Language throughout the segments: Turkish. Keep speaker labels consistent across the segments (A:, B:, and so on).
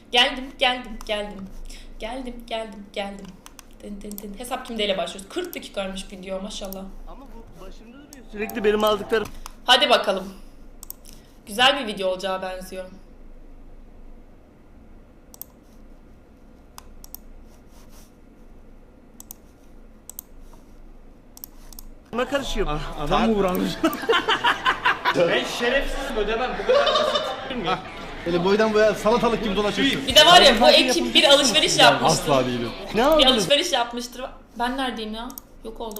A: Geldim. Tin. Hesap kimdeyle başlıyoruz? 40 dakikaymış video maşallah.
B: Ama bu başımda duruyor. Sürekli benim aldıklarım.
A: Hadi bakalım. Güzel bir video olacağı benziyor.
B: Kime karışıyor?
C: Adam mı vuranmış?
D: Ben şerefsizim, ödemem, bu kadar basit.
C: Böyle boydan boya salatalık gibi dolaşıyorsun.
A: Bir de var ya bu ekip bir alışveriş yapmıştır.
C: Asla değilim.
B: Ne
A: Bir
B: aldınız?
A: alışveriş yapmıştır. Ben neredeyim ya? Yok oldum.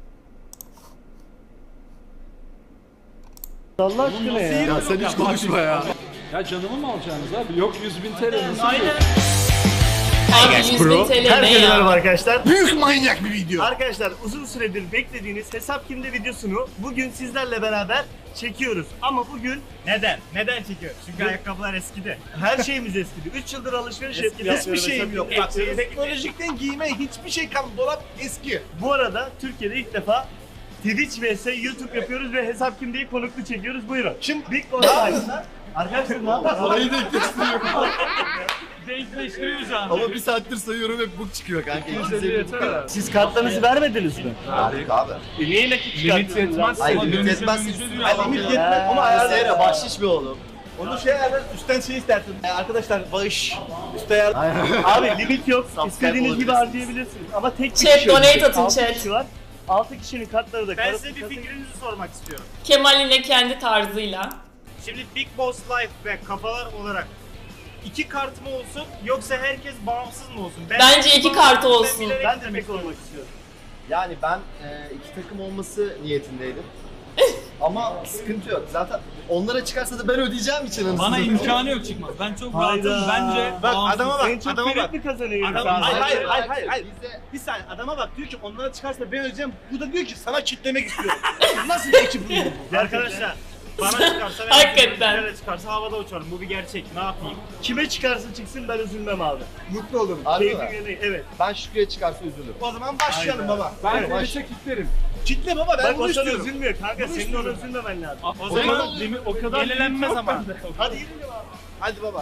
B: Allah aşkına ya.
C: Ya sen hiç konuşma ya.
E: Ya canımı mı alacaksınız abi? Yok 100.000 TL nasıl?
D: Aynen.
A: Abi 100.000 TL ne
B: Herkese merhaba
A: ya?
B: arkadaşlar.
C: Büyük manyak bir video.
B: Arkadaşlar uzun süredir beklediğiniz Hesap Kimde videosunu bugün sizlerle beraber çekiyoruz. Ama bugün
D: Neden? Neden çekiyor? Çünkü ayakkabılar eskidi.
B: her şeyimiz eskidi. 3 yıldır alışveriş yapıyoruz.
C: Hiçbir şeyim yok. Bak teknolojikten giyime hiçbir şey kalmadı. Dolap eski.
B: Bu arada Türkiye'de ilk defa Twitch vs YouTube yapıyoruz ve Hesap Kimde'yi konuklu çekiyoruz. Buyurun. Şimdi Big Boss Live'da arkadaşlar ne yapıyorsunuz?
C: Parayı denkleştiriyor.
D: Denkleştiriyor şu an.
C: Ama bir saattir sayıyorum hep bu çıkıyor kanka.
B: Siz kartlarınızı vermediniz mi?
C: Harika abi.
B: Niye nakit çıkarttınız?
C: Ay limit yetmez. Ay limit yetmez ama ayarlayalım. Bahşiş bir oğlum. Onu şey ayarlar, üstten şey istersin. Arkadaşlar bağış. Üste ayar.
B: Abi limit yok.
C: Subscribe
B: İstediğiniz gibi
C: olabilirsiniz.
B: harcayabilirsiniz. Ama tek bir
A: Chat,
B: kişi yok.
A: donate atın,
B: 6
A: chat.
B: kişi var. 6 kişinin kartları da
D: Ben size bir fikrinizi sormak istiyorum.
A: Kemal yine kendi tarzıyla.
D: Şimdi Big Boss Life ve kafalar olarak 2 kart mı olsun yoksa herkes bağımsız mı olsun?
A: Bence 2 kartı olsun.
B: Ben de tek olmak istiyorum.
C: Yani ben iki takım olması niyetindeydim. Ama sıkıntı yok. Zaten onlara çıkarsa da ben ödeyeceğim için anasını.
F: Bana imkanı yok çıkmaz. Ben çok
B: Hayda.
F: rahatım. Bence
D: Bak
F: bağımsız.
D: adama bak,
B: En çok
D: adama bak.
B: kıymetli kazanıyor.
D: Adam-
B: insan.
D: Hayır.
C: Bizde
D: Bir saniye adama bak diyor ki onlara çıkarsa ben ödeyeceğim. Bu da diyor ki sana kitlemek istiyorum. Nasıl bir ekip bu? Arkadaşlar bana çıkarsa ben
A: Hakikaten.
D: ödeyeceğim. Çıkarsa havada uçarım. Bu bir gerçek. Ne yapayım?
B: Kime çıkarsa çıksın ben üzülmem abi.
C: mutlu olurum. Harbi
B: Keyfim
C: mi?
B: yerine, evet.
C: Ben Şükrü'ye çıkarsa üzülürüm.
D: O zaman başlayalım baba.
E: Ben
B: Evet.
E: polise kilitlerim.
D: Kitle baba ben
B: Bak
D: bunu
B: o sana
D: istiyorum.
B: üzülmüyor kanka.
D: Bunu
B: Senin
D: istiyorum.
B: ona üzülmemen lazım.
D: O zaman
E: O kadar
D: yenilenmez ama.
B: Hadi gidelim abi.
C: Hadi baba.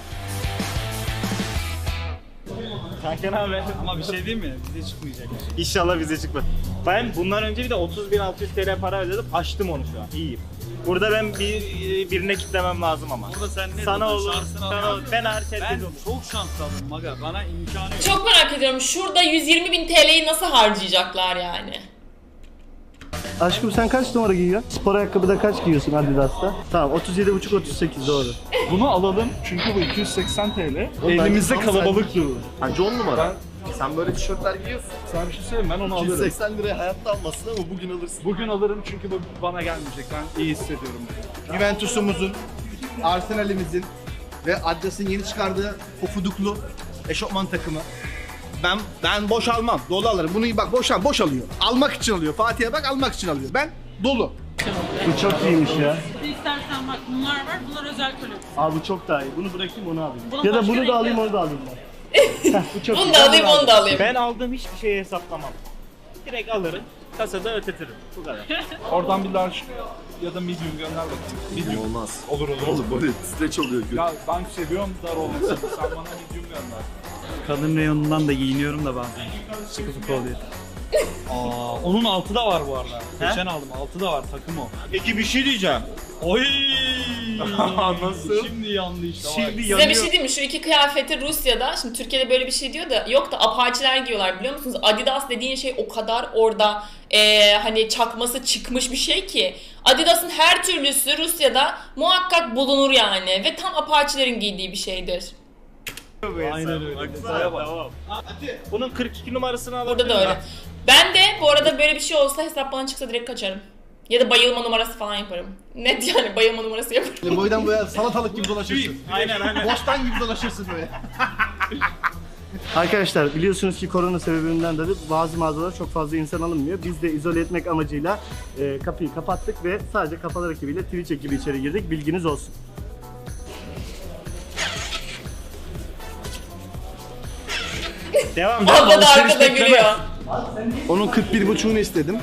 D: Kanka ne haber?
F: Ama bir şey değil mi? Bize çıkmayacak.
D: İnşallah bize çıkmaz. Ben bundan önce bir de 30.600 TL para ödedim. Açtım onu şu an. İyiyim. Burada ben birine kitlemem lazım ama.
F: Burada sen ne
D: Sana
F: diyorsun?
D: olur,
F: Şansını
D: sana
F: al.
D: olur. Ben hariç
F: Ben
D: herkes olur.
F: çok şanslı adamım aga. Bana imkanı yok.
A: Çok merak ediyorum şurada 120.000 TL'yi nasıl harcayacaklar yani?
B: Aşkım sen kaç numara giyiyorsun? Spor ayakkabıda kaç giyiyorsun Adidas'ta? Tamam 37,5-38 doğru.
E: Bunu alalım çünkü bu 280 TL.
C: Oğlum,
E: Elimizde
C: bence
E: kalabalık durur.
C: Bence 10 numara. Sen böyle tişörtler giyiyorsun.
E: Sana bir şey söyleyeyim ben onu alırım.
C: 280 liraya hayatta almasın ama bugün alırsın.
E: Bugün alırım çünkü bu bana gelmeyecek. Ben iyi hissediyorum.
C: Juventus'umuzun, Arsenal'imizin ve Adidas'ın yeni çıkardığı pofuduklu eşofman takımı. Ben boş almam, dolu alırım. Bunu bak boş alıyor. Almak için alıyor. Fatih'e bak almak için alıyor. Ben dolu.
B: Bu çok iyiymiş ya.
G: İstersen bak bunlar var, bunlar özel koleksiyon.
B: Abi bu çok daha iyi. Bunu bırakayım onu alayım.
G: Bunun
B: Ya da
G: başka
B: bunu
G: renkleri
B: da alayım
G: var.
B: onu da alayım ben. Bu çok
A: Bunu
B: iyi.
A: da alayım onu da alayım.
D: Ben aldığım hiçbir şeyi hesaplamam. Direkt alırım. Kasada ötetirim. Bu kadar.
E: Oradan bir large ya da medium gönder bakayım. Medium.
C: Olmaz.
E: Olur.
C: Oğlum böyle streç oluyor.
E: Ya ben seviyorum dar olmasını. Sen bana medium gönder.
F: Kadın reyonundan da giyiniyorum da bazen. Sıkı fıkı oluyor. Aa, onun altı da var bu arada. Geçen aldım. Altı da var. Takım o.
D: Peki bir şey diyeceğim.
F: Oy!
E: Nasıl?
F: Şimdi yandı işte.
D: Şimdi
F: bak.
A: Size bir şey diyeyim mi? Şu iki kıyafeti Rusya'da, şimdi Türkiye'de böyle bir şey diyor da yok da apaçiler giyiyorlar biliyor musunuz? Adidas dediğin şey o kadar orada hani çakması çıkmış bir şey ki. Adidas'ın her türlüsü Rusya'da muhakkak bulunur yani ve tam apaçilerin giydiği bir şeydir.
F: Aynen öyle.
D: Tamam. Bunun 42 numarasını alabilirim.
A: Burada da öyle. Ben de bu arada böyle bir şey olsa hesap bana çıksa direkt kaçarım. Ya da bayılma numarası falan yaparım. Net yani bayılma numarası yaparım.
C: Böyle boydan boya salatalık gibi dolaşırsın.
D: Aynen.
C: Boştan gibi dolaşırsın böyle.
B: Arkadaşlar biliyorsunuz ki korona sebebinden dolayı bazı mağazalara çok fazla insan alınmıyor. Biz de izole etmek amacıyla kapıyı kapattık ve sadece kafalar ekibiyle Twitch ekibi içeri girdik. Bilginiz olsun.
D: Devam.
A: Abla da arkada gülüyor.
C: Onun 41,5'unu istedim.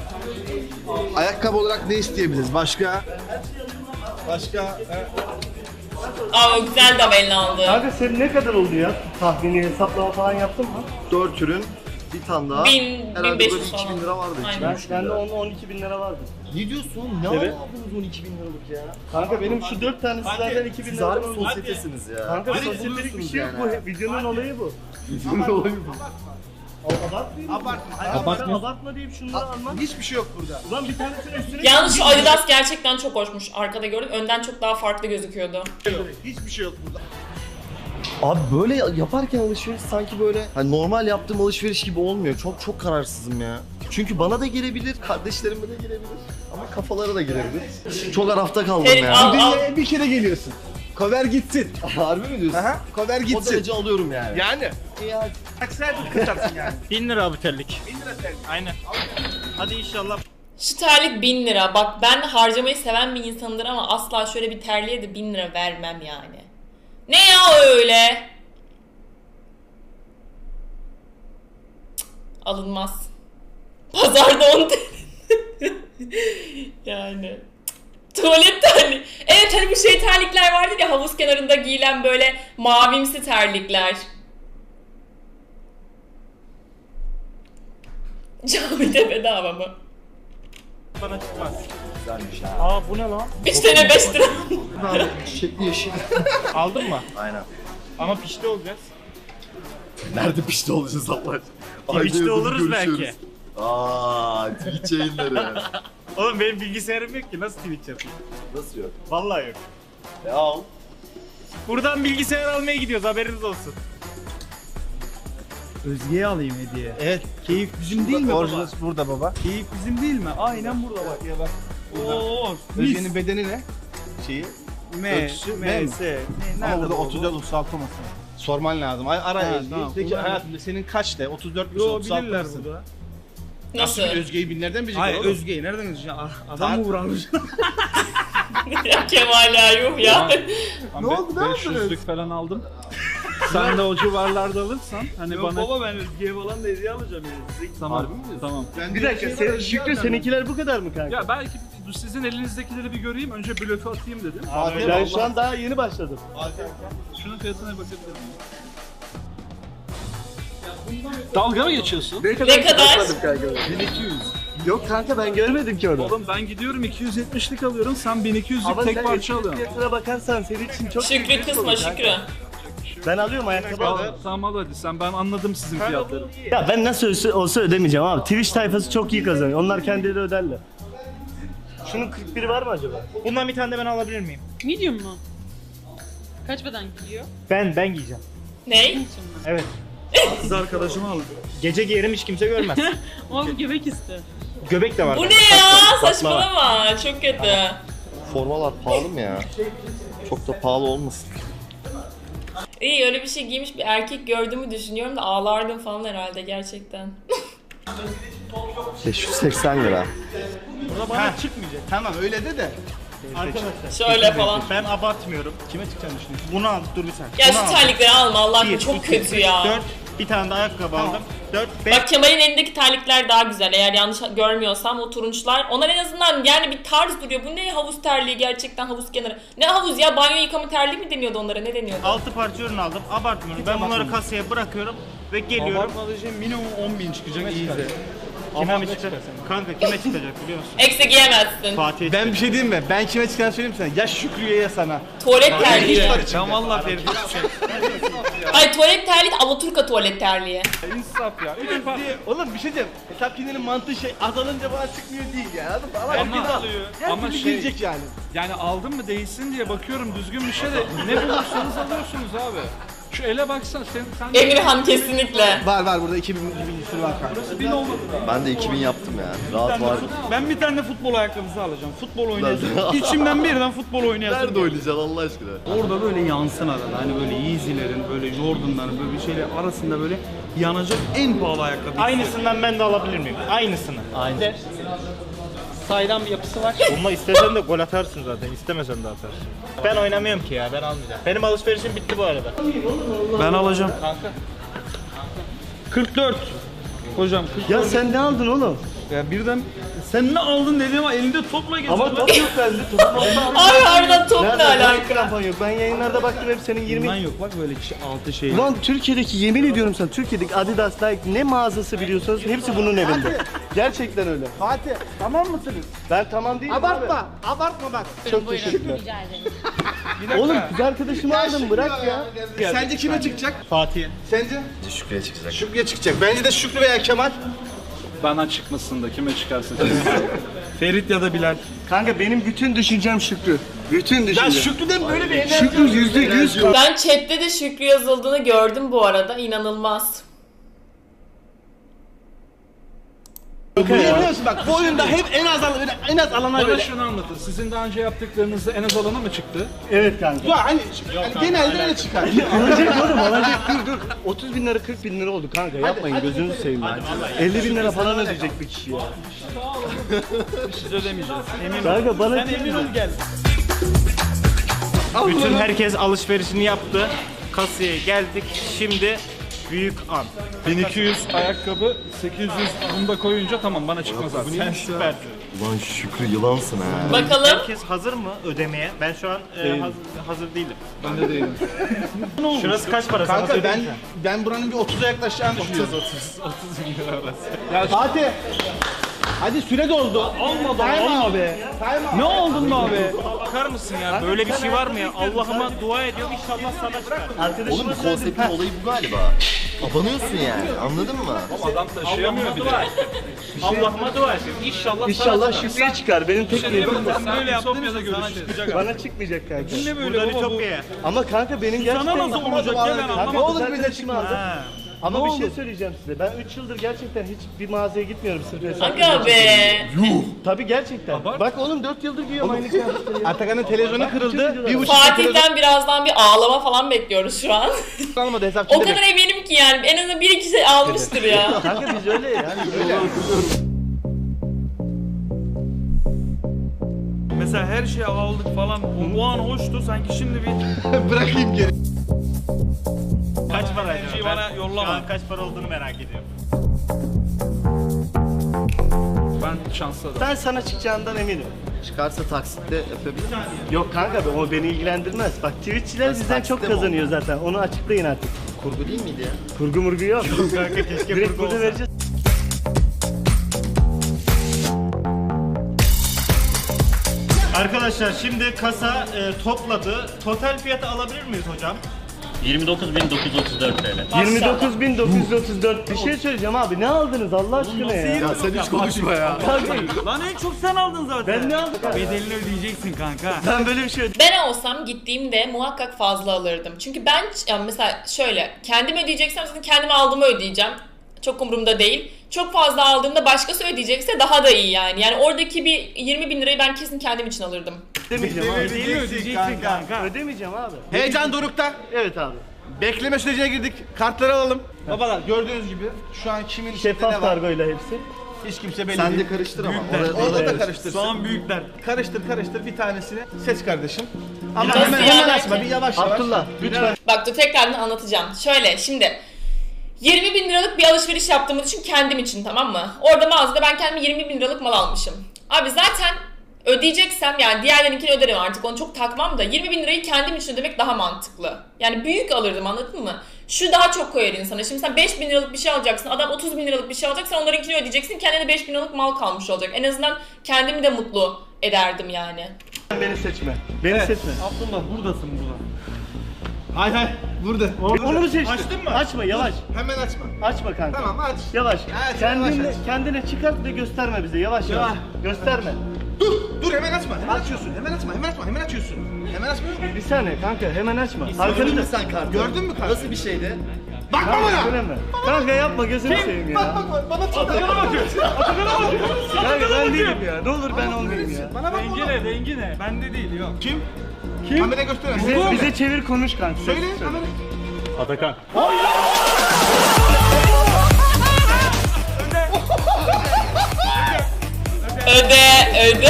C: Ayakkabı olarak ne isteyebiliriz? Başka?
A: Aa o güzel de elini aldı.
B: Kanka senin ne kadar oldu ya? Tahmini hesaplama falan yaptın mı?
H: 4 ürün, bir tane daha.
A: 1000,
H: Herhalde
A: 1500
H: böyle 2000
A: falan.
H: lira vardı.
A: Aynen.
B: Ben de 12 bin lira vardı.
H: Ne diyorsun? Ne
B: Evet.
H: aldınız 12 bin liralık ya?
B: Kanka benim şu 4 tanesi zaten 2 bin
H: Siz
B: lira.
H: harbi sosyetesiniz ya.
B: Kanka
H: Direkt
B: sosyetelik bir
H: buluyorsunuz
B: şey yok
H: yani.
B: bu. Videonun olayı bu.
H: Videonun olayı bu.
B: Abartmayayım.
C: Abartma.
B: Abartma deyip şunları almak.
C: Hiçbir şey yok burada.
B: Ulan bir tanesinin üstüne...
A: Yalnız şu Adidas gerçekten çok hoşmuş. Arkada gördüm. Önden çok daha farklı gözüküyordu.
C: Hiçbir şey yok burada.
H: Abi böyle yaparken alışveriş sanki böyle hani normal yaptığım alışveriş gibi olmuyor. Çok kararsızım ya. Çünkü bana da gelebilir, kardeşlerime de gelebilir. Ama kafalara da girebilir. Çok arafta kaldım
A: Evet,
H: ya.
A: al.
C: Dünyaya bir kere geliyorsun. Cover gitsin.
H: Harbi mi diyorsun?
C: Aha, cover
H: O
C: gitsin.
H: derece alıyorum yani.
C: Yani. Aksel kıtarsın yani.
D: 1000 lira abi terlik.
C: 1000 lira sen.
D: Aynen. Hadi inşallah.
A: Şu terlik 1000 lira. Bak ben harcamayı seven bir insandır ama asla şöyle bir terliğe de 1000 lira vermem yani. Ne ya öyle? Cık, alınmaz. Pazarda 10 TL. Yani. Cık, tuvalet terliği. Evet hani bu şey terlikler vardı ya havuz kenarında giyilen böyle mavimsi terlikler. Camide bedava mı?
D: Bana çıkmaz. Güzelmiş ha. Aa bu ne lan?
A: 3 tane 5 lira.
H: Abi çiçekli yeşil.
D: Aldın mı?
H: Aynen.
D: Ama pişti olacağız.
H: Nerede pişti olacağız Allah aşkına?
D: Twitch'te
H: Ayda
D: oluruz
H: yıldır
D: belki.
H: görüşüyoruz. Aa, Twitch yayınları.
D: Oğlum benim bilgisayarım yok ki nasıl Twitch yapayım?
H: Nasıl yok?
D: Vallahi yok.
H: Al.
D: Buradan bilgisayar almaya gidiyoruz haberiniz olsun.
F: Özge'ye alayım hediye.
C: Evet.
F: Keyif bizim değil mi baba?
C: Orijinal burada baba.
F: Keyif bizim değil mi? Aynen burada bak.
C: Ya bak.
F: Oo,
C: Özge'nin bedeni ne? Şeyi.
F: M,
C: ölçüsü,
F: M,
C: M mi?
F: S. Ne,
C: Ama
F: nerede
C: burada
F: bu?
C: 34 36 olmasın. Sorman lazım. Ara
F: Ha,
C: Özge'yi.
F: tamam.
C: Peki
F: Ulan-
C: hayatım senin kaçtı? 34
F: Yo
C: 36
F: bilirler
C: mısın?
F: burada.
A: Nasıl?
C: Özge'yi binlerden bilecek
F: Hayır
C: oğlum.
F: Özge'yi nereden gözükecek? Adam mı vuranmış?
A: Ya Kemal ya yuh ya.
C: Ne oldu, ne
E: 500'lük falan aldım. Sen de o civarlarda alırsan hani
F: Yok
E: bana...
F: baba ben Özge'ye falan da hediye alacağım yani.
E: Tamam. Tamam.
C: Ben
B: Bir dakika Şükrü seninkiler bu kadar mı kanka?
E: Ya belki sizin elinizdekileri bir göreyim. Önce blöfü atayım dedim.
B: Ben şu an daha yeni başladım.
E: Şunun fiyatına bakabilir miyim? Dalga mı geçiyorsun?
A: Ne kadar?
F: 1200.
B: Yok kanka ben görmedim ki onu.
E: Oğlum ben gidiyorum 270'lik alıyorum. Sen 1200'lik
B: Ama
E: tek
B: sen
E: parça
B: eski
E: alıyorsun.
B: fiyatına bakarsan senin için çok büyük
A: Şükrü
B: risk
A: kısma
B: olur kanka.
A: Şükrü.
B: Ben alıyorum ayakkabı alıyorum.
E: Tamam al hadi sen ben anladım sizin fiyatları.
B: Ya ben nasıl olsa ödemeyeceğim abi. Twitch tayfası çok iyi kazanıyor. Onlar kendileri öderler. Şunun 41'i var mı acaba?
D: Bundan bir tane de ben alabilir miyim?
G: Medium mu? Kaç beden giyiyor?
D: Ben giyeceğim.
A: Ney?
D: Evet.
F: Kız arkadaşımı alın.
D: Gece giyerim hiç kimse görmez.
G: Ama bu göbek ister.
D: Göbek de var.
A: Bu
D: bende.
A: ne ya? Saçmalama. Çok kötü.
H: Formalar pahalı mı ya? Çok da pahalı olmasın.
A: İyi öyle bir şey giymiş bir erkek gördüğümü düşünüyorum da ağlardım falan herhalde gerçekten.
H: 580 lira.
D: Burada bana çıkmayacak.
C: Tamam öyle de.
D: Arkadaşlar.
A: Şöyle falan.
D: Ben abartmıyorum. Kime çıkacağını düşünüyorsun? Bunu al dur bir saniye.
A: Ya
D: Bunu
A: şu
D: al.
A: terlikleri alma Allah aşkına
D: Bir,
A: çok
D: iki,
A: kötü ya.
D: 4, bir tane de ayakkabı aldım. 4, 5.
A: Bak Kemal'in elindeki terlikler daha güzel eğer yanlış görmüyorsam o turunçlar. Onlar en azından yani bir tarz duruyor. Bu ne havuz terliği gerçekten havuz kenarı. Ne havuz ya banyo yıkama terliği mi deniyordu onlara ne deniyordu?
D: 6 parça ürün aldım. Abartmıyorum. Ben bunları kasaya bırakıyorum ve geliyorum.
F: Abartmadığı minimum 10.000 çıkacak iyi de.
D: Kime mi çıkacak? Kanka kime çıkacak biliyor musun?
A: Eksi giyemezsin.
D: Fatih.
C: Ben bir şey diyeyim mi? Ben kime çıkan söyleyeyim sana. Ya Şükrü'ye ya sana.
A: Tuvalet terliği.
F: Ben valla Ferdi
A: Ay tuvalet terliği de Alaturka tuvalet terliği.
E: İnsaf ya.
C: Oğlum bir şey diyeyim. Hesap kinenin mantığı şey azalınca bana çıkmıyor değil ya. Anladın mı? Ama
E: Ama
C: herkes al.
E: alıyor.
C: Her
E: Ama
C: türlü
E: şey-
C: girecek yani.
E: Yani aldım mı değilsin diye bakıyorum düzgün bir şey de ne bulursanız alıyorsunuz abi. Şu ele baksana sen
A: Emirhan kesinlikle.
C: Var burada 2000 sürü var kanka.
E: 1000 olmadı da.
H: Ben de 2000 yaptım yani. Rahat var.
F: Ben bir tane de futbol ayakkabısı alacağım. Futbol oynayacağım. İçimden birden futbol oynayasım.
H: Nerede oynayacaksın Allah aşkına?
F: Orada böyle yansın arada. Hani böyle Yeezy'lerin, böyle Jordan'ların böyle bir şeyler arasında böyle yanacak en pahalı ayakkabı.
D: Aynısından ben de alabilir miyim? Aynısını.
F: Aynı. Saydam bir yapısı var.
D: Bununla istesen de gol atarsın zaten. İstemesen de atarsın. Ben oynamıyorum ki ya. Ben almayacağım. Benim alışverişim bitti bu arada.
F: Ben alacağım. Kanka. 44. Hocam 44.
B: Ya sen ne aldın oğlum?
F: Ya birden Sen ne aldın dedim ama elinde topla geziyor.
B: Ama top yok bende. Topum olsa
A: Ay harbiden top ne
B: nerede?
A: alaka?
B: Krampon yok. Ben yayınlarda baktım hep senin 20...
F: Bundan yok bak böyle kişi 6 şey.
B: Ulan Türkiye'deki yemin ediyorum sana Türkiye'deki Adidas, Nike ne mağazası biliyorsanız hepsi bunun evinde. Gerçekten öyle.
C: Fatih tamam mısınız?
B: Ben tamam değilim abi.
C: Abartma bak.
B: Çok teşekkürler. Oğlum kız arkadaşımı aldım bırak ya.
C: Sence kime çıkacak?
D: Fatih.
C: Sence?
H: Şükrü'ye çıkacak.
C: Şükrü'ye çıkacak. Bence de Şükrü veya Kemal.
E: Bana çıkmasın da kime çıkarsa.
F: Ferit ya da Bilal.
B: Kanka benim bütün düşüncem Şükrü. Bütün düşüncem.
C: Ya Şükrü'den böyle bir enerji.
B: Şükrü %100
A: Ben chatte de Şükrü yazıldığını gördüm bu arada. İnanılmaz.
C: Biliyor musun bak bu oyunda hep en az alana
E: Bana
C: göre.
E: şunu anlatın. Sizin daha önce yaptıklarınızda en az alana mı çıktı?
B: Evet kanka.
C: Ya hani genelde öyle çıkar.
B: Alacak oğlum alacak dur. 30 bin lira 40 bin lira oldu kanka yapmayın gözünüzü seveyim ya. 50 bin lira falan ödeyecek bir kişi ya.
F: Siz ödemeyeceğiz. Emin ol.
B: Kanka bana
F: Sen emin ol gel.
D: Bütün herkes alışverişini yaptı. Kasaya geldik. Şimdi büyük an.
E: 1200 ayakkabı, 800 bunu da koyunca tamam bana çıkmaz artık.
D: Sen süpersin.
H: Ulan Şükrü yılansın ha.
A: Bakalım.
D: Herkes hazır mı ödemeye? Ben şu an hazır değilim.
E: Ben de değilim.
D: Şurası kaç para? Sana
C: Kanka
D: söyleyeyim mi?
C: ben buranın bir 30'a yaklaşacağını düşünüyorum.
D: 30 bin lira arası.
C: Ya Fatih. Hadi süre doldu.
F: Olmadı olma be. Ne oldun be abi?
D: Bakar mısın ya? Böyle bir şey var mı ya? Allah'ıma dua ediyorum inşallah sana çıkar.
H: Oğlum bu konseptin olayı bu galiba. Abanıyorsun yani anladın mı?
E: Adam taşıyamıyor bir de.
D: Allah'ıma dua ediyorum. İnşallah
B: İnşallah Şükrü'ye çıkar. Benim tek niyetim bu.
F: Sen böyle yaptın ya da görüşeceğiz.
B: Bana çıkmayacak kanka.
F: Ne böyle baba bu?
D: Ütopya.
B: Ama kanka benim gerçekten...
F: Sana nasıl olacak ya ben
B: Kanka
F: anlamadım.
B: olur bize çıkmaz. Ama
F: Ne
B: bir şey
F: oldu?
B: söyleyeceğim size. Ben 3 yıldır gerçekten hiç bir mağazaya gitmiyorum sırf hesap.
A: Aga be.
B: Tabii gerçekten. Bak oğlum 4 yıldır giyiyorum aynı kıyafetleri ya.
C: Atakan'ın televizyonu kırıldı. 1,5 televizyon
A: Fatih'ten birazdan bir ağlama falan bekliyoruz şu an.
C: almadı hesapçı
A: O kadar eminim ki yani en azından bir iki şey almıştır ya.
B: Kanka biz öyle yani.
F: Mesela her şeyi aldık falan. O an hoştu sanki şimdi bir
C: Bırakayım geri.
D: Kaç para
F: şey
D: acaba?
F: bana yollama.
D: Şu an kaç para olduğunu merak ediyorum.
E: Ben şanslı adamım.
B: Ben sana çıkacağından eminim.
H: Çıkarsa taksitle yapabilir misin?
B: Yok kanka o beni ilgilendirmez. Bak Twitch'çiler
H: Nasıl,
B: bizden
H: taksite
B: çok
H: mi
B: kazanıyor zaten. Onu açıklayın artık.
H: Kurgu değil miydi ya?
B: Kurgu murgu yok.
D: Kanka keşke
B: Direkt
D: kurgu
B: burada
D: olsa.
B: vereceğiz.
D: Arkadaşlar şimdi kasa topladı. Total fiyatı alabilir miyiz hocam?
I: 29.934 TL.
B: 29.934. Bir şey söyleyeceğim abi. Ne aldınız Allah aşkına ya?
H: Ya sen hiç konuşma ya.
B: Kanka
F: Lan en çok sen aldın zaten.
B: ben ne aldım?
F: Bedelini ödeyeceksin kanka.
B: Ben böyle bir şey
A: Ben olsam gittiğimde muhakkak fazla alırdım. Çünkü ben yani mesela şöyle kendim ödeyeceksem zaten kendime aldığımı ödeyeceğim. Çok umurumda değil. Çok fazla aldığımda başkası ödeyecekse daha da iyi yani. Yani oradaki bir 20 bin lirayı ben kesin kendim için alırdım.
B: ödemeyeceğim abi.
F: Bedelini ödeyeceksin kanka.
B: Ödemeyeceğim abi.
C: Heyecan dorukta.
B: Evet abi.
C: Bekleme sürecine girdik. Kartları alalım. Babalar gördüğünüz gibi şu an kimin içinde
B: Şeffaf
C: ne var?
B: kargoyla hepsi.
C: Hiç kimse belli
H: Sen
C: değil.
H: de karıştır ama.
C: Orada da karıştırsın.
F: Soğan büyükler.
C: Karıştır bir tanesini seç kardeşim. Ama
A: Nasıl
C: hemen
A: ya?
C: açma bir yavaş yavaş.
B: Abdullah lütfen.
A: Bak dur tekrardan anlatacağım. Şöyle şimdi 20 bin liralık bir alışveriş yaptığımı düşün kendim için, tamam mı? Orada mağazada ben kendime 20 bin liralık mal almışım. Abi zaten ödeyeceksem yani diğerlerinkini öderim artık, onu çok takmam da 20 bin lirayı kendim için ödemek daha mantıklı. Yani büyük alırdım, anladın mı? Şu daha çok koyar insana. Şimdi sen 5 bin liralık bir şey alacaksın, adam 30 bin liralık bir şey alacak, sen onlarınkini ödeyeceksin, kendine 5 bin liralık mal kalmış olacak. En azından kendimi de mutlu ederdim yani.
B: Beni seçme. Beni seçme.
F: Abdullah buradasın burada.
C: Hayır burada.
B: Onu mu seçtin?
C: Açtın mı?
B: Açma yavaş.
C: Hemen açma.
B: Açma kanka.
C: Tamam aç.
B: Yavaş.
C: Evet,
B: Kendine,
C: yavaş aç.
B: kendine çıkart ve gösterme bize. Yavaş yavaş. Gösterme.
C: Dur hemen açma. Hemen açıyorsun. Hemen açıyorsun. Hemen açmıyorsun.
B: Bir saniye kanka hemen açma.
H: Gördün
B: Arkanı
H: mü
B: da.
H: sen kartı?
C: Gördün mü kartı?
H: Nasıl bir şeydi?
C: Bakma bana.
B: Söyleme. Kanka yapma gözünü seveyim ya.
C: Bak bana tut.
B: Kanka ben değilim ya. Ne olur ben olmayayım ya.
C: Bana bak
F: Rengi
C: bana.
F: ne? Rengi ne? Bende değil yok.
C: Kim?
B: Kim?
C: Kameraya göster.
B: Bize çevir konuş kanka.
C: Söyle kamera.
D: Atakan.
A: Öde.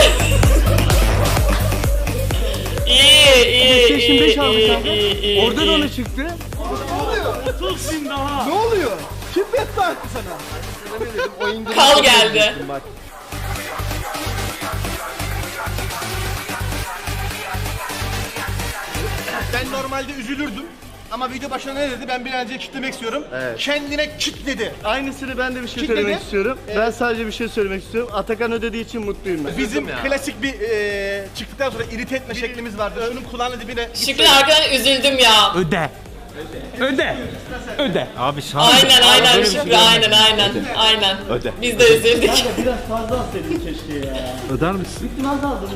A: iyi.
B: PlayStation 5 aldı kanka.
A: iyi.
B: Orada da ona çıktı.
F: 30 bin daha.
C: Ne oluyor? Kim beddua etti sana?
A: Kal geldi.
H: Bak.
C: normalde üzülürdüm. Ama video başına ne dedi? Ben bir an önce kitlemek istiyorum.
B: Evet.
C: Kendine kitledi.
B: Aynısını ben de bir şey
C: Kitledi.
B: söylemek istiyorum. Ben sadece bir şey söylemek istiyorum. Atakan ödediği için mutluyum ben.
C: Bizim klasik bir çıktıktan sonra irite etme şeklimiz vardı. Şunun kulağının dibine...
A: Şükrü arkadan üzüldüm ya.
F: Öde. Abi
A: Aynen Şükrü aynen.
F: Öde.
A: Biz de üzüldük.
B: Biraz fazla alsaydın keşke ya.
F: Öder misin?
B: Biraz aldım.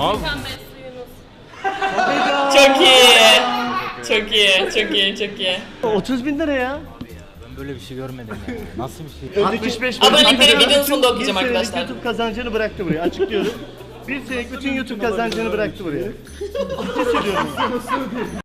A: Çok iyi.
B: 30 bin lira ya.
F: Ben böyle bir şey görmedim ya. Nasıl bir şey?
B: 65 bin.
A: Abonelikleri videonun sonunda okuyacağım
B: Bir senelik
A: arkadaşlar.
B: YouTube kazancını bıraktı buraya. Açıklıyorum. Bir senelik bütün YouTube kazancını bıraktı buraya. Ciddi söylüyorum.